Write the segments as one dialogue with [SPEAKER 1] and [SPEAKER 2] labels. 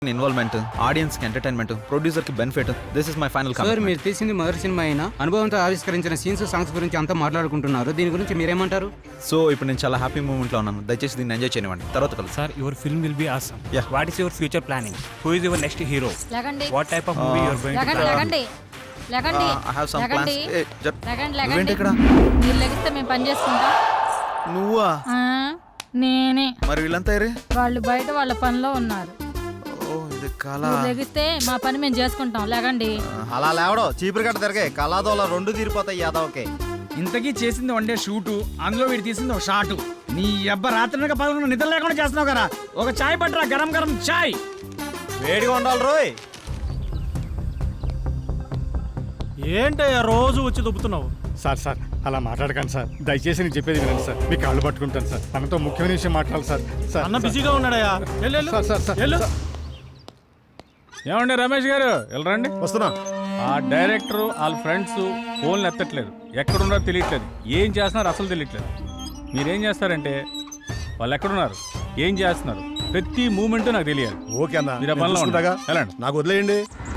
[SPEAKER 1] Involvement, audience కి entertainment, producer కి benefit. This is my final commitment.
[SPEAKER 2] Sir, మీరు తీసింది మొదటి సినిమా అయినా అనుభవంతో ఆవిష్కరించిన సీన్స్, సాంగ్స్ గురించి అంతా మాట్లాడుకుంటున్నారు. దీని గురించి మీరేమంటారు?
[SPEAKER 1] సో ఇప్పుడు నేను చాలా హ్యాపీ మూమెంట్ లో ఉన్నాను. దయచేసి దీన్ని ఎంజాయ్ చేయనివ్వండి. తర్వాత కలుసు.
[SPEAKER 3] Sir, your film will be awesome.
[SPEAKER 1] Yeah.
[SPEAKER 3] What is your future planning? Who is your next hero?
[SPEAKER 4] లగండి
[SPEAKER 3] What type of movie you are going to
[SPEAKER 4] లగండి
[SPEAKER 3] try?
[SPEAKER 4] లగండి లగండి
[SPEAKER 1] I have some
[SPEAKER 4] లగండి
[SPEAKER 1] plans.
[SPEAKER 4] లగండి
[SPEAKER 1] నువ్వేంటి
[SPEAKER 4] లగండి
[SPEAKER 1] ఇక్కడ?
[SPEAKER 4] మీరు లెగిస్తే మేము పని చేసుకుంటాం.
[SPEAKER 1] నువ్వా?
[SPEAKER 4] ఆ, నేనే.
[SPEAKER 1] మరి వీళ్ళంతా ఏరే?
[SPEAKER 4] వాళ్ళు బయట వాళ్ళ పనిలో ఉన్నారు.
[SPEAKER 1] ఓ ఇది కళ.
[SPEAKER 4] మీరు లెగిస్తే మా పని మేము చేసుకుంటాం. లగండి.
[SPEAKER 5] అలా లేవడం చీపురు కట్ట తిరగే కళాదోళ రెండు తీరిపోతాయి యాదవ్కే.
[SPEAKER 6] ఇంతకీ చేసింది వన్ డే షూటు, అందులో వీడు తీసింది ఒక షాటు. నీ అబ్బ రాత్రి పదకొండు నిద్ర లేకుండా చేస్తున్నావు కదా. ఒక చాయ్ పట్టరా, గరం గరం చాయ్.
[SPEAKER 5] వేడిగా ఉండాలి రోయ్.
[SPEAKER 7] ఏంటయ్యా రోజు వచ్చి దుబ్బుతున్నావు?
[SPEAKER 8] సార్ అలా మాట్లాడకండి సార్. దయచేసి నేను చెప్పేది వినండి సార్. మీ కాళ్ళు పట్టుకుంటాను సార్. తనతో ముఖ్యమైన విషయం మాట్లాడాలి సార్.
[SPEAKER 7] అన్న బిజీగా ఉన్నాడయ్యా.
[SPEAKER 8] సార్.
[SPEAKER 9] ఏమండి రమేష్ గారు, వెళ్ళరండి.
[SPEAKER 5] వస్తున్నా.
[SPEAKER 9] ఆ డైరెక్టర్ వాళ్ళ ఫ్రెండ్స్ ఫోన్లు ఎత్తట్లేదు, ఎక్కడున్నారో తెలియట్లేదు, ఏం చేస్తున్నారు అసలు తెలియట్లేదు. మీరేం చేస్తారంటే వాళ్ళు ఎక్కడున్నారు, ఏం చేస్తున్నారు, ప్రతి మూమెంట్ నాకు తెలియాలి.
[SPEAKER 5] ఓకే అన్న,
[SPEAKER 9] మీరు ఆ పనిలో
[SPEAKER 5] చూసుకుంటాగా.
[SPEAKER 9] వెళ్ళండి.
[SPEAKER 5] నాకు వదిలేయండి.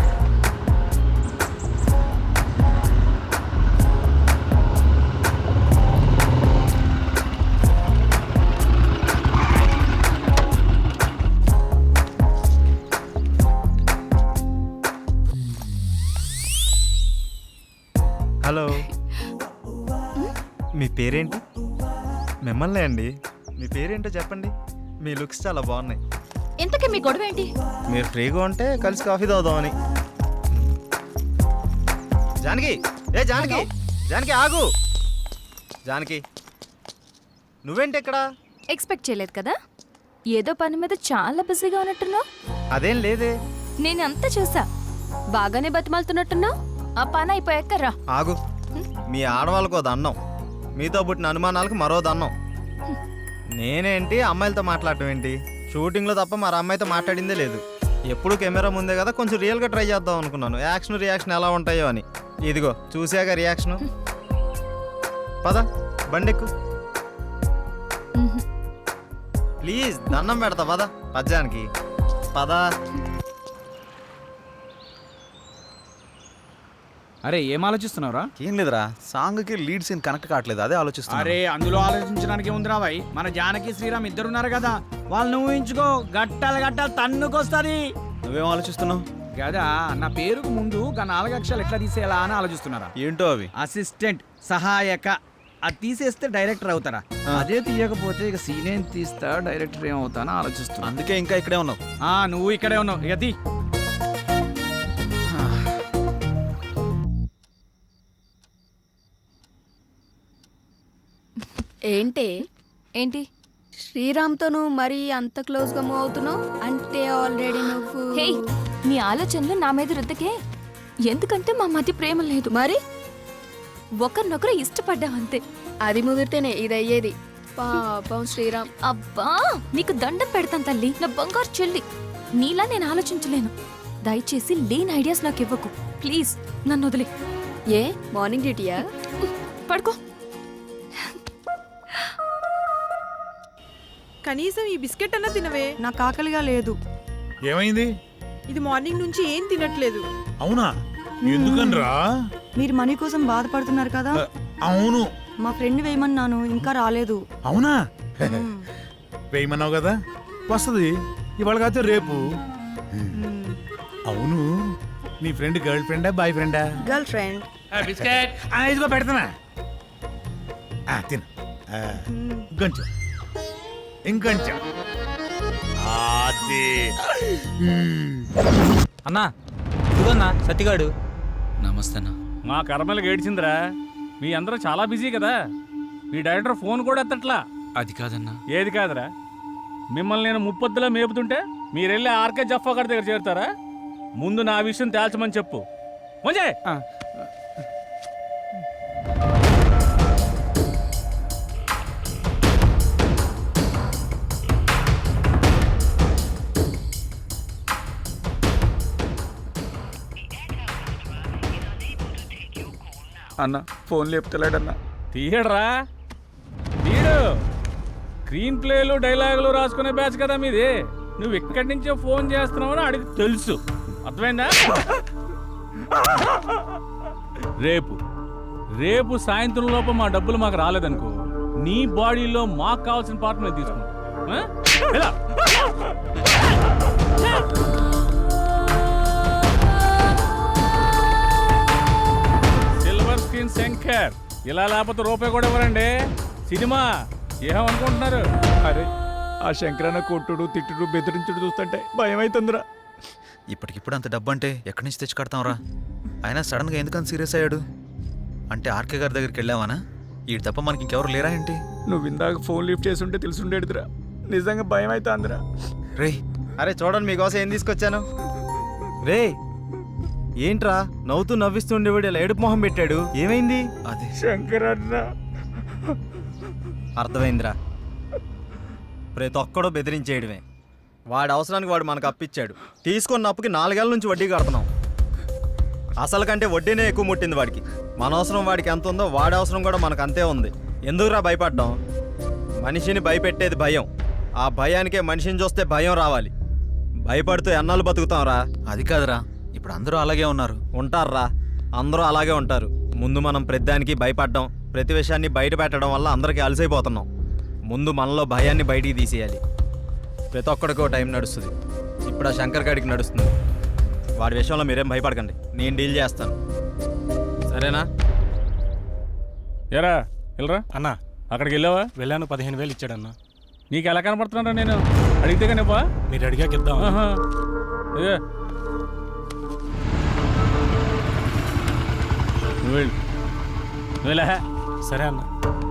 [SPEAKER 5] హలో, మీ పేరేంటి? మిమ్మల్ని అండి. మీ పేరేంటో చెప్పండి. మీ లుక్స్ చాలా బాగున్నాయి.
[SPEAKER 4] ఇంతకీ మీ గొడవ ఏంటి?
[SPEAKER 5] మీరు ఫ్రీగా ఉంటే కలిసి కాఫీ తాగుదామని. జానకి, జానకి ఆగు. జానకి, నువ్వేంటి ఇక్కడ?
[SPEAKER 10] ఎక్స్పెక్ట్ చేయలేదు కదా. ఏదో పని మీద చాలా బిజీగా ఉన్నట్టున్నావు.
[SPEAKER 5] అదేం లేదే.
[SPEAKER 10] నేను అంతా చూసా. బాగానే బతిమాలుతున్నట్టున్నావు. ఆ పని అయిపోయాక రా.
[SPEAKER 5] ఆగు. మీ ఆడవాళ్ళకు ఓ దండం, మీతో పుట్టిన అనుమానాలకు మరో దండం. నేనేంటి అమ్మాయిలతో మాట్లాడటం ఏంటి? షూటింగ్లో తప్ప మరి అమ్మాయితో మాట్లాడిందే లేదు. ఎప్పుడు కెమెరా ముందే కదా, కొంచెం రియల్గా ట్రై చేద్దాం అనుకున్నాను. యాక్షన్ రియాక్షన్ ఎలా ఉంటాయో అని. ఇదిగో చూసాక రియాక్షను. పద బండెక్కు ప్లీజ్, దండం పెడతా. పద పద్యానికి పద.
[SPEAKER 6] అరే ఏం ఆలోచిస్తున్నావురా?
[SPEAKER 1] ఏం లేదురా, సాంగ్ కి లీడ్ సీన్ కనెక్ట్ కావట్లేదు, అదే ఆలోచిస్తున్నా.
[SPEAKER 6] అరే అందులో ఆలోచించడానికి ఏముందిరా భాయ్, మన జానకి శ్రీరామ్ ఇద్దరున్నారు కదా, వాళ్ళని ఊహించుకో. గట్టాలు తన్నుకొస్తుంది.
[SPEAKER 1] నువ్వేం ఆలోచిస్తున్నావు?
[SPEAKER 6] కదా నా పేరుకు ముందు గా 4 అక్షరాలు ఎట్లా తీసేయాలా అని ఆలోచిస్తున్నారా.
[SPEAKER 1] ఏంటో అవి?
[SPEAKER 6] అసిస్టెంట్, సహాయక. అది తీసేస్తే డైరెక్టర్ అవుతారా? అదే తీయకపోతే ఇక సీన్ ఏం తీస్తా, డైరెక్టర్ ఏమవుతానో ఆలోచిస్తున్నా.
[SPEAKER 1] అందుకే ఇంకా ఇక్కడే ఉన్నావు.
[SPEAKER 6] నువ్వు ఇక్కడే ఉన్నావు. ఇక తీ.
[SPEAKER 10] ఏంటి
[SPEAKER 11] శ్రీరామ్తో నువ్వు మరీ అంత క్లోజ్గా మూవ్ అవుతున్నావు అంటే ఆల్రెడీ నువ్వు.
[SPEAKER 10] హే, నీ ఆలోచనలు నా మీద రుద్దకే. ఎందుకంటే మా మధ్య ప్రేమ లేదు.
[SPEAKER 11] మరి
[SPEAKER 10] ఒకరినొకరు ఇష్టపడ్డామంతే.
[SPEAKER 11] అది ముదిరితేనే ఇది అయ్యేది. పాపం శ్రీరామ్.
[SPEAKER 10] అబ్బా, నీకు దండం పెడతాను తల్లి, నా బంగారు చెల్లి. నీలా నేను ఆలోచించలేను. దయచేసి లేని ఐడియాస్ నాకు ఇవ్వకు ప్లీజ్. నన్ను వదిలే.
[SPEAKER 11] ఏ మార్నింగ్ డ్యూటీయా?
[SPEAKER 10] పడుకో.
[SPEAKER 12] కనీసం ఈ బిస్కెట్ అన్నా తినవే.
[SPEAKER 2] నాకు ఆకలిగా లేదు.
[SPEAKER 7] ఏమైంది?
[SPEAKER 12] ఇది మార్నింగ్ నుంచి ఏం తినట్లేదు.
[SPEAKER 7] అవునా? ఎందుకనరా?
[SPEAKER 2] మీరు మనీ కోసం బాధపడుతున్నారు కదా.
[SPEAKER 7] అవును.
[SPEAKER 2] మా ఫ్రెండ్ వేయమన్నాను, ఇంకా రాలేదు.
[SPEAKER 7] అవునా? వేయమన్నావు కదా, వస్తుంది ఇవాళ కాదు రేపు. అవును, నీ ఫ్రెండ్ గర్ల్ ఫ్రెండా బాయ్ ఫ్రెండా?
[SPEAKER 2] Girl friend.
[SPEAKER 7] బిస్కెట్ ఇదిగో పెడతానా, తిను. ఇంకొంచెం ఇంకొంచెం.
[SPEAKER 3] అన్నా ఇదిగోన్నా సత్తిగాడు.
[SPEAKER 1] నమస్తే అన్న.
[SPEAKER 9] మా కర్మలకు ఏడ్చిందిరా. మీ అందరూ చాలా బిజీ కదా. మీ డైరెక్టర్ ఫోన్ కూడా ఎత్తట్లా.
[SPEAKER 1] అది కాదన్నా.
[SPEAKER 9] ఏది కాదురా? మిమ్మల్ని నేను ముప్పొద్దులా మేపుతుంటే మీరెళ్ళి ఆర్కే జఫా గారి దగ్గర చేరుతారా? ముందు నా విషయం తేల్చమని చెప్పు. మంచి
[SPEAKER 1] అన్న ఫోన్ లేపుతలేడన్నా.
[SPEAKER 9] తీయడరా తీయడు. స్క్రీన్ ప్లేలు డైలాగులు రాసుకునే బ్యాచ్ కదా మీది. నువ్వు ఎక్కడి నుంచో ఫోన్ చేస్తున్నావని అడిగి తెలుసు. అర్థమైందా? రేపు సాయంత్రం లోపు మా డబ్బులు మాకు రాలేదనుకో, నీ బాడీలో మాకు కావాల్సిన పార్ట్ మేము తీసుకుంటాం. ఎలా? సిల్వర్ స్క్రీన్ శంకర్, ఇలా లేకపోతే రూపాయి కూడా ఇవ్వరండి. సినిమా ఏమనుకుంటున్నారు?
[SPEAKER 6] అరే ఆ శంకరన్న కొట్టుడు తిట్టుడు బెదిరించుడు చూస్తుంటే భయం అవుతుందిరా.
[SPEAKER 1] ఇప్పటికిప్పుడు అంత డబ్బు అంటే ఎక్కడి నుంచి తెచ్చి కడతాంరా? అయినా సడన్గా ఎందుకని సీరియస్ అయ్యాడు? అంటే ఆర్కే గారి దగ్గరికి వెళ్ళావానా? ఈ తప్ప మనకి ఇంకెవరు లేరా ఏంటి?
[SPEAKER 6] నువ్వు ఇందాక ఫోన్ లిఫ్ట్ చేసి ఉంటే తెలుసుండేదిరా. నిజంగా భయం అవుతుందిరా.
[SPEAKER 1] రే
[SPEAKER 5] అరే చూడండి మీకోసం ఏం తీసుకొచ్చాను. రే ఏంట్రా నవ్వుతూ నవ్విస్తూ ఉండేవాడు ఇలా ఏడుపు మొహం పెట్టాడు, ఏమైంది?
[SPEAKER 1] అదే
[SPEAKER 6] శంకరన్న
[SPEAKER 5] అర్థమైందిరా, ప్రతి ఒక్కడో బెదిరించేయడమే. వాడి అవసరానికి వాడు మనకు అప్పిచ్చాడు, తీసుకున్న అప్పుకి 4 ఏళ్ళ నుంచి వడ్డీ కడుతున్నాం. అసలు కంటే వడ్డీనే ఎక్కువ ముట్టింది వాడికి. మన అవసరం వాడికి ఎంత ఉందో వాడి అవసరం కూడా మనకు అంతే ఉంది. ఎందుకురా భయపడ్డాం? మనిషిని భయపెట్టేది భయం, ఆ భయానికే మనిషిని చూస్తే భయం రావాలి. భయపడుతూ ఎన్నాళ్ళు బతుకుతాంరా?
[SPEAKER 1] అది కాదురా, ఇప్పుడు అందరూ అలాగే ఉన్నారు.
[SPEAKER 5] ఉంటారా, అందరూ అలాగే ఉంటారు. ముందు మనం ప్రతిదానికి భయపడ్డాం, ప్రతి విషయాన్ని బయట పెట్టడం వల్ల అందరికీ అలసైపోతున్నాం. ముందు మనలో భయాన్ని బయటికి తీసేయాలి. ప్రతి ఒక్కడికో టైం నడుస్తుంది. ఇప్పుడు ఆ శంకర్ గాడికి నడుస్తుంది. వాడి విషయంలో మీరేం భయపడకండి, నేను డీల్ చేస్తాను, సరేనా?
[SPEAKER 9] ఎరా వెళ్ళరా
[SPEAKER 3] అన్నా
[SPEAKER 9] అక్కడికి వెళ్ళావా?
[SPEAKER 3] వెళ్ళాను, 15,000 ఇచ్చాడన్నా.
[SPEAKER 9] నీకు ఎలా కనపడుతున్నారా? నేను అడిగితే కనిపా
[SPEAKER 3] మీరు అడిగాక ఇద్దాం.
[SPEAKER 9] నువ్వు వెళ్ళు, నువ్వు వెళ్ళా.
[SPEAKER 3] సరే అన్న.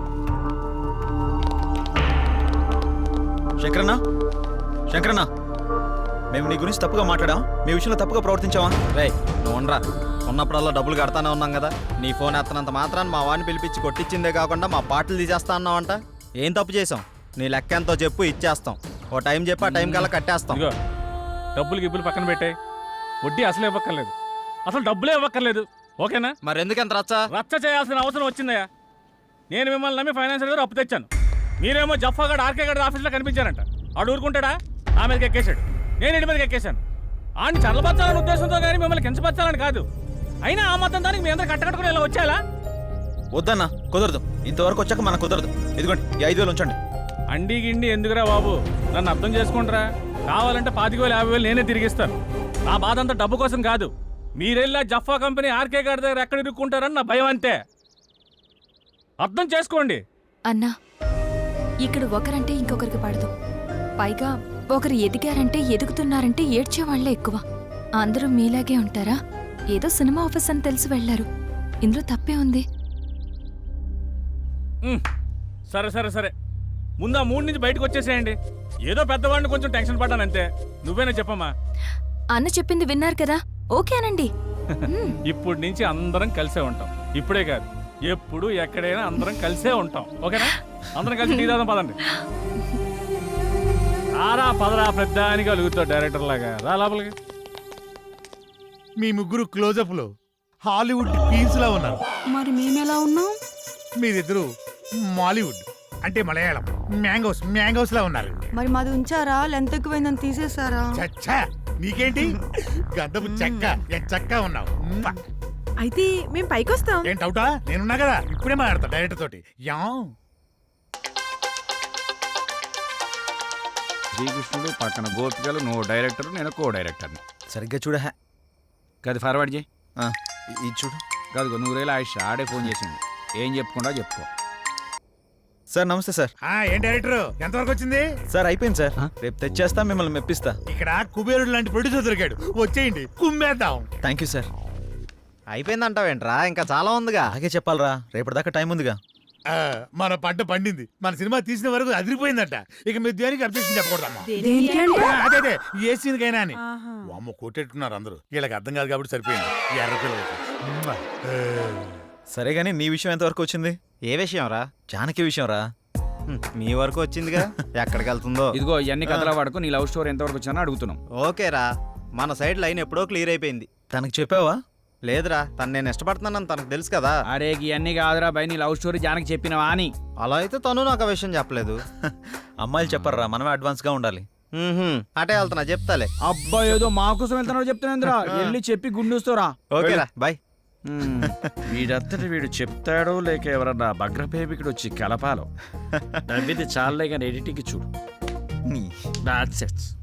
[SPEAKER 1] శంకరన్న, శంకరన్న, మేము నీ గురించి తప్పుగా మాట్లాడాం, మీ విషయంలో తప్పుగా ప్రవర్తించావా?
[SPEAKER 5] రే నువ్వు ఉండరా, ఉన్నప్పుడల్లా డబ్బులు కడతానే ఉన్నాం కదా. నీ ఫోన్ ఎత్తనంత మాత్రాన్ని మా వాడిని పిలిపించి కొట్టించిందే కాకుండా మా పాటలు తీసేస్తా అన్నావంట. ఏం తప్పు చేసాం? నీ లెక్క ఎంతో చెప్పు, ఇచ్చేస్తాం. ఓ టైం చెప్పి ఆ టైం కల్లా కట్టేస్తాం.
[SPEAKER 9] ఇదిగో డబ్బులు గిబ్బులు పక్కన పెట్టాయి, వడ్డీ అసలు ఇవ్వక్కర్లేదు, అసలు డబ్బులే ఇవ్వక్కర్లేదు. ఓకేనా?
[SPEAKER 5] మరి ఎందుకంత రచ్చ
[SPEAKER 9] చేయాల్సిన అవసరం వచ్చిందయ్యా. నేను మిమ్మల్ని నమ్మి ఫైనాన్షియల్ గారు అప్పు తెచ్చాను, మీరేమో జఫాగాడు ఆర్కే గారి ఆఫీస్లో కనిపించారంట. ఆడు ఊరుకుంటాడా? ఆ మీదకి ఎక్కేశాడు, నేను ఇంటి మీదకి ఎక్కేశాను. ఆడిని చల్లబచ్చాలని ఉద్దేశంతో కానీ మిమ్మల్ని కించపరచాలని కాదు. అయినా ఆ మొత్తం దానికి మీ అందరూ కట్టకట్టుకుని ఇలా వచ్చేలా?
[SPEAKER 1] వద్దన్నా, కుదరదు. ఇంతవరకు వచ్చాక మనకు కుదరదు. ఇదిగోండి ఈ 5,000 ఉంచండి.
[SPEAKER 9] అండి గిండి ఎందుకురా బాబు, నన్ను అర్థం చేసుకుంటారా? కావాలంటే 25,000 50,000 నేనే తిరిగిస్తాను. నా బాధ అంతా డబ్బు కోసం కాదు. మీరెళ్ళా జఫా కంపెనీ ఆర్కే గారి దగ్గర ఎక్కడ ఇరుక్కుంటారని నా భయం అంతే. అర్థం చేసుకోండి.
[SPEAKER 10] అన్నా, ఇక్కడ ఒకరంటే ఇంకొకరికి పడదు. పైగా ఒకరు ఎదిగారంటే ఎదుగుతున్నారంటే ఏడ్చేవాళ్లే ఎక్కువ. అందరూ మీలాగే ఉంటారా? ఏదో సినిమా ఆఫీస్ అని తెలిసి వెళ్లారు, ఇందులో తప్పే ఉంది.
[SPEAKER 9] సరే సరే సరే, ముందు ఆ 3 నుంచి బయటకు వచ్చేసేయండి. ఏదో పెద్దవాడిని కొంచెం టెన్షన్ పడ్డానంతే. నువ్వేనా చెప్పమ్మా?
[SPEAKER 10] అన్న చెప్పింది విన్నారు కదా, ఓకేనండి.
[SPEAKER 9] ఇప్పటి నుంచి అందరం కలిసే ఉంటాం. ఇప్పుడే కాదు, ఎప్పుడు ఎక్కడైనా అందరం కలిసే ఉంటాం. ఓకేనా? అందరం కలిసి టీ తాగుదాం పదండి. రారా పదరా, పెద్దానికి అలుగుతావు డైరెక్టర్ లాగా. రా లోపలికి.
[SPEAKER 7] మీ ముగ్గురు క్లోజప్లో హాలీవుడ్ క్వీన్స్ లా ఉన్నారు.
[SPEAKER 11] మరి మేమెలా ఉన్నాం?
[SPEAKER 7] మీరిద్దరు మాలీవుడ్ అంటే మలయాళం మ్యాంగోస్ లా ఉన్నారు.
[SPEAKER 11] మరి మాది ఉంచారా? లెంత్ ఎక్కువైందని తీసేసారా?
[SPEAKER 7] చచ్చా, నీకేంటి గద్దపు చెక్క చెక్క ఉన్నావు.
[SPEAKER 12] అయితే మేము పైకొస్తాం.
[SPEAKER 7] ఏం డౌటా? నేనున్నా కదా, ఇప్పుడే మాట్లాడతా డైరెక్టర్ తోటి. యా
[SPEAKER 6] శ్రీకృష్ణుడు పక్కన గోపికలు, నువ్వు డైరెక్టర్, నేను కో డైరెక్టర్ని.
[SPEAKER 1] సరిగ్గా చూడ.
[SPEAKER 6] గది ఫార్వర్డ్ చేయి.
[SPEAKER 1] ఇది చూడు.
[SPEAKER 6] కాదు 100,000 ఆయుష్ ఆడే ఫోన్ చేసింది. ఏం చెప్పుకుంటా చెప్పుకో.
[SPEAKER 1] సార్ నమస్తే సార్.
[SPEAKER 7] ఏం డైరెక్టర్, ఎంతవరకు వచ్చింది?
[SPEAKER 1] సార్ అయిపోయింది సార్, రేపు తెచ్చేస్తా, మిమ్మల్ని మెప్పిస్తా.
[SPEAKER 7] ఇక్కడ కుబేరుడు లాంటి ప్రొడ్యూసర్ దొరికాడు, వచ్చేయండి కుమ్మేద్దాం.
[SPEAKER 1] Thank you sir.
[SPEAKER 5] అయిపోయిందంటావేంట్రా? ఇంకా చాలా ఉందిగా.
[SPEAKER 1] అలాగే చెప్పాలరా, రేపటిదాకా టైం ఉందిగా.
[SPEAKER 7] మన పంట పండింది, మన సినిమా తీసిన వరకు అదిరిపోయిందట. ఇక మీరు దేనికి అబ్జెక్షన్ చెప్పకూడదమ్మా. అదే ఏ సీన్కైనా అని. అమ్మ కొట్టేట్టున్నారు అందరూ, వీళ్ళకి అర్థం కాదు కాబట్టి సరిపోయింది. ఎర్ర పిల్లలకి.
[SPEAKER 1] సరే గానీ నీ విషయం ఎంతవరకు వచ్చింది?
[SPEAKER 5] ఏ విషయం రా?
[SPEAKER 1] జానకి విషయం రా.
[SPEAKER 5] మీ వరకు వచ్చిందిగా, ఎక్కడికి వెళ్తుందో.
[SPEAKER 6] ఇదిగో ఇవన్నీ కథల వాడుకు నీ లవ్ స్టోరీ ఎంతవరకు వచ్చినా అడుగుతున్నాం.
[SPEAKER 5] ఓకేరా, మన సైడ్ లైన్ ఎప్పుడో క్లియర్ అయిపోయింది.
[SPEAKER 1] తనకు చెప్పావా?
[SPEAKER 5] లేదురా, తను నేను ఇష్టపడుతున్నానని తనకు తెలుసు కదా.
[SPEAKER 6] అరే ఇవన్నీ కాదురా బై, నీ లవ్ స్టోరీ జానకి చెప్పినవా అని.
[SPEAKER 5] అలా అయితే తను నాకు ఆ విషయం చెప్పలేదు.
[SPEAKER 1] అమ్మాయిలు చెప్పర్రా, మనమే అడ్వాన్స్గా ఉండాలి.
[SPEAKER 5] అటే వెళ్తున్నా చెప్తాలే.
[SPEAKER 6] అబ్బా ఏదో మా కోసం వెళ్తున్నాడు చెప్తున్నాంద్రా వెళ్ళి చెప్పి గుండూస్తోరా.
[SPEAKER 5] ఓకేరా బాయ్.
[SPEAKER 6] వీడంతటి వీడు చెప్తాడో లేక ఎవరన్నా భగ్రపేమికుడు వచ్చి కలపాలో. నవ్వింది చాలే కానీ ఎడిటింగ్ చూడు.
[SPEAKER 1] నీ
[SPEAKER 6] నాన్సెన్స్.